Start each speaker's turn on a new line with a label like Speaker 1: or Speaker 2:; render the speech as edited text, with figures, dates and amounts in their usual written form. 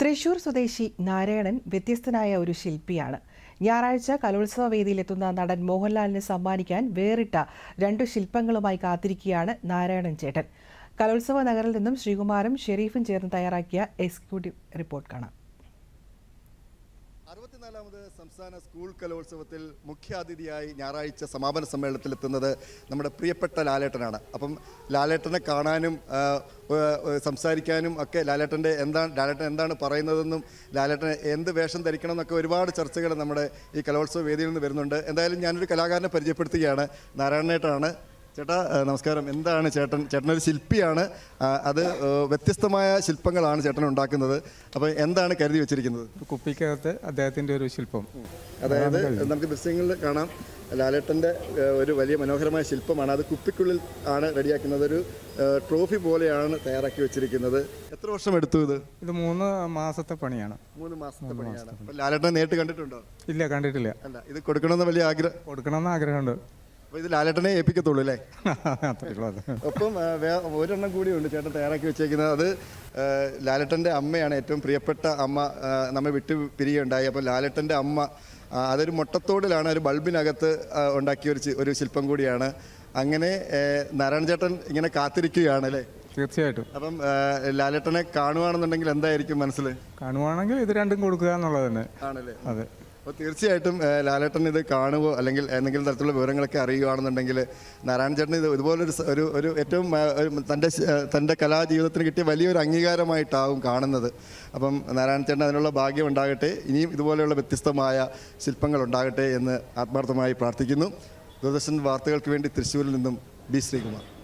Speaker 1: തൃശൂർ സ്വദേശി നാരായണൻ വ്യത്യസ്തനായ ഒരു ശില്പിയാണ്. ഞായറാഴ്ച കലോത്സവ വേദിയിലെത്തുന്ന നടൻ മോഹൻലാലിന് സമ്മാനിക്കാൻ വേറിട്ട 2 ശില്പങ്ങളുമായി കാത്തിരിക്കുകയാണ് നാരായണൻ ചേട്ടൻ. കലോത്സവ നഗറിൽ നിന്നും ശ്രീകുമാരും ഷെരീഫും ചേർന്ന് തയ്യാറാക്കിയ എക്സിക്യൂട്ടീവ് റിപ്പോർട്ട് കാണാം.
Speaker 2: 64ാമത് സംസ്ഥാന സ്കൂൾ കലോത്സവത്തിൽ മുഖ്യാതിഥിയായി ഞായറാഴ്ച സമാപന സമ്മേളനത്തിലെത്തുന്നത് നമ്മുടെ പ്രിയപ്പെട്ട ലാലേട്ടനാണ്. അപ്പം ലാലേട്ടനെ കാണാനും സംസാരിക്കാനും ഒക്കെ ലാലേട്ടൻ എന്താണ് പറയുന്നതെന്നും ലാലേട്ടൻ എന്ത് വേഷം ധരിക്കണം എന്നൊക്കെ ഒരുപാട് ചർച്ചകൾ നമ്മുടെ ഈ കലോത്സവ വേദിയിൽ നിന്ന് വരുന്നുണ്ട്. എന്തായാലും ഞാനൊരു കലാകാരനെ പരിചയപ്പെടുത്തുകയാണ്. നാരായണേട്ടനാണ്. ചേട്ടാ നമസ്കാരം. എന്താണ് ചേട്ടനൊരു ശില്പിയാണ്. അത് വ്യത്യസ്തമായ ശില്പങ്ങളാണ് ചേട്ടൻ ഉണ്ടാക്കുന്നത്. അപ്പോൾ എന്താണ് കരുതി വെച്ചിരിക്കുന്നത്?
Speaker 3: കുപ്പിക്കകത്ത് അദ്ദേഹത്തിൻ്റെ ഒരു ശില്പം,
Speaker 2: അതായത് നമുക്ക് ദൃശ്യങ്ങളിൽ കാണാം ലാലേട്ടൻ്റെ ഒരു വലിയ മനോഹരമായ ശില്പമാണ്. അത് കുപ്പിക്കുള്ളിൽ ആണ് റെഡിയാക്കുന്നത്. ഒരു ട്രോഫി പോലെയാണ് തയ്യാറാക്കി വെച്ചിരിക്കുന്നത്. എത്ര വർഷം എടുത്തു ഇത്?
Speaker 3: 3 മാസത്തെ പണിയാണ്.
Speaker 2: 3 മാസത്തെ പണിയാണ്. അപ്പോൾ ലാലേട്ടനെ നേരിട്ട് കണ്ടിട്ടുണ്ടോ?
Speaker 3: ഇല്ല, കണ്ടിട്ടില്ല.
Speaker 2: അല്ല, ഇത് കൊടുക്കണമെന്ന് വലിയ
Speaker 3: കൊടുക്കണമെന്ന് ആഗ്രഹമുണ്ട്.
Speaker 2: അപ്പോൾ ഇത് ലാലേട്ടനെ ഏൽപ്പിക്കത്തുള്ളൂ അല്ലേ?
Speaker 3: അത്രയുള്ളൂ.
Speaker 2: ഒപ്പം ഒരെണ്ണം കൂടിയുണ്ട് ചേട്ടൻ തയ്യാറാക്കി വെച്ചേക്കുന്നത്. അത് ലാലേട്ടൻ്റെ അമ്മയാണ്, ഏറ്റവും പ്രിയപ്പെട്ട അമ്മ നമ്മെ വിട്ടു പിരിയുണ്ടായി. അപ്പോൾ ലാലേട്ടൻ്റെ അമ്മ അതൊരു മുട്ടത്തോടിലാണ്, ഒരു ബൾബിനകത്ത് ഉണ്ടാക്കിയ ഒരു ശില്പം കൂടിയാണ്. അങ്ങനെ നാരായണ ചേട്ടൻ ഇങ്ങനെ കാത്തിരിക്കുകയാണ് അല്ലേ?
Speaker 3: തീർച്ചയായിട്ടും.
Speaker 2: അപ്പം ലാലേട്ടനെ കാണുവാണെന്നുണ്ടെങ്കിൽ എന്തായിരിക്കും മനസ്സിൽ?
Speaker 3: കാണുവാണെങ്കിൽ ഇത് രണ്ടും കൊടുക്കുക എന്നുള്ളത് തന്നെ
Speaker 2: ആണല്ലേ?
Speaker 3: അതെ.
Speaker 2: അപ്പോൾ തീർച്ചയായിട്ടും ലാലേട്ടൻ ഇത് കാണുകയോ അല്ലെങ്കിൽ എന്തെങ്കിലും തരത്തിലുള്ള വിവരങ്ങളൊക്കെ അറിയുകയാണെന്നുണ്ടെങ്കിൽ നാരായണ ചേട്ടൻ ഇത് ഇതുപോലൊരു ഏറ്റവും തൻ്റെ കലാജീവിതത്തിന് കിട്ടിയ വലിയൊരു അംഗീകാരമായിട്ടാവും കാണുന്നത്. അപ്പം നാരായണ ചേട്ടൻ അതിനുള്ള ഭാഗ്യം ഉണ്ടാകട്ടെ. ഇനിയും ഇതുപോലെയുള്ള വ്യത്യസ്തമായ ശില്പങ്ങൾ ഉണ്ടാകട്ടെ എന്ന് ആത്മാർത്ഥമായി പ്രാർത്ഥിക്കുന്നു. ദൂരദർശൻ വാർത്തകൾക്ക് വേണ്ടി തൃശ്ശൂരിൽ നിന്നും ബി ശ്രീകുമാർ.